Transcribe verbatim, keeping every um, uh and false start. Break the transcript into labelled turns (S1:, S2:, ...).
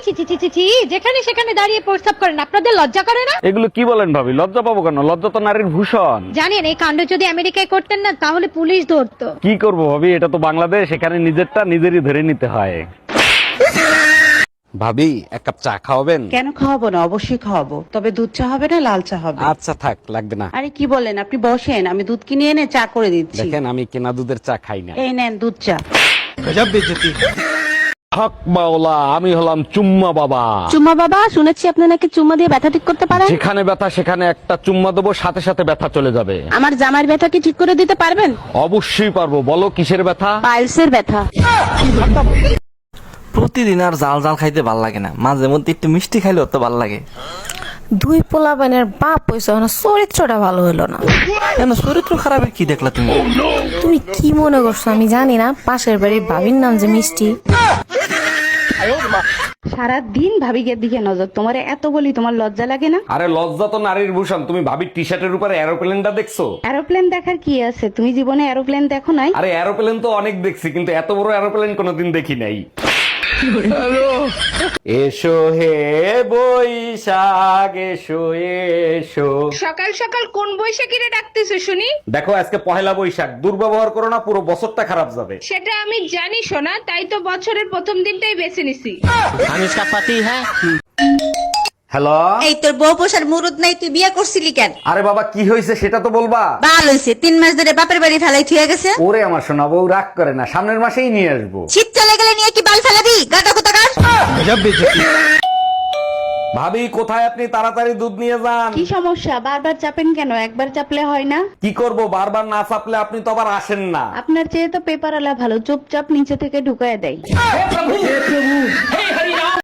S1: ছি ছি ছি ছি ছি, যেখানে সেখানে দাঁড়িয়ে প্রস্তাব করেন, আপনাদের লজ্জা করে না?
S2: এগুলো কি বলেন ভাবি? লজ্জা পাবো কেন? লজ্জা তো নারীর ভূষণ।
S1: জানেন এই কাণ্ড যদি আমেরিকায় করতেন না তাহলে পুলিশ ধরতো।
S2: কি করব ভাবি, এটা তো বাংলাদেশ, এখানে নিজেরটা নিজেরই ধরে নিতে হয়। ভাবি এক কাপ চা খাওয়াবেন?
S3: কেন খাওয়াবো না, অবশ্যই খাওয়াবো, তবে দুধ চা হবে না লাল চা হবে।
S2: আচ্ছা থাক, লাগবে না।
S3: আরে কি বলেন, আপনি বসেন, আমি দুধ কিনে এনে চা করে দিচ্ছি।
S2: দেখেন আমি কেনা দুধের চা খাই না।
S3: এই নেন দুধ চা।
S2: হক মাওলা, আমি হলাম চুম্মা বাবা।
S4: চুম্মা বাবা, শুনেছি আপনি নাকি চুম্মা দিয়ে ব্যথা ঠিক করতে পারেন।
S2: যেখানে ব্যথা সেখানে একটা চুম্মা দেবো, সাথে সাথে ব্যথা চলে যাবে।
S4: আমার জামার ব্যথা কি ঠিক করে দিতে পারবেন?
S2: অবশ্যই পারবো, বলো কিসের ব্যথা?
S4: পাইলসের ব্যথা।
S5: প্রতিদিন আর জাল জাল খাইতে ভাল লাগে না, মাঝে মধ্যে একটু মিষ্টি খাইলেও তো ভাল লাগে।
S6: দুই পোলাপানের বাপ হইছে না, চরিত্রটা ভালো হলো না।
S5: কেন, চরিত্র খারাপের কি দেখলা তুমি?
S6: তুমি কি মনে করছো আমি জানি না পাশের বাড়ির ভাবির নাম যে মিষ্টি।
S3: সারা দিন ভাবিকের দিকে নজর, তোমার এত বলি তোমার লজ্জা লাগে না?
S2: আরে লজ্জা তো নারীর ভূষণ। তুমি ভাবির টি শার্টের উপরে এরোপ্লেনটা দেখছো?
S3: এরোপ্লেন দেখার কি আছে, তুমি জীবনে এরোপ্লেন দেখো নাই?
S2: আরে এরোপ্লেন তো অনেক দেখছি, কিন্তু এত বড় এরোপ্লেন কোনোদিন দেখি নাই। এসো হে বৈশাখ এসো এসো।
S7: সকাল সকাল কোন বৈশাখীরে ডাকতেছো শুনি?
S2: দেখো আজকে পহেলা বৈশাখ, দুর্ব্যবহার করো না, পুরো বছরটা খারাপ যাবে।
S7: সেটা আমি জানি সোনা, তাই তো বছরের প্রথম দিনটাই বেছে নিছি।
S2: হ্যালো,
S8: এই তোর বউ পোষার মুরুদ নাই, তুই বিয়ে করছিলি কেন?
S2: আরে বাবা কি হয়েছে সেটা তো বলবা।
S8: বাল হইছে, তিন মাস ধরে বাপের বাড়ি ফেলাই থুয়ে গেছে।
S2: ওরে আমার সোনা বউ, রাগ করে না, সামনের মাসেই নিয়ে আসবো।
S8: শীত চলে গেলে নিয়ে কি বাল ফেলাবি? গাটা কোথাকার।
S2: ভাবি কোথায় আপনি? তাড়াতাড়ি দুধ নিয়ে যান।
S3: কি সমস্যা, বারবার চাপেন কেন? একবার চাপলে হয় না?
S2: কি করব, বারবার না চাপলে আপনি তো আবার আসেন না।
S3: আপনার চেয়ে তো পেপার আলা ভালো, চুপচাপ নিচে থেকে ঢুকায় দেয়।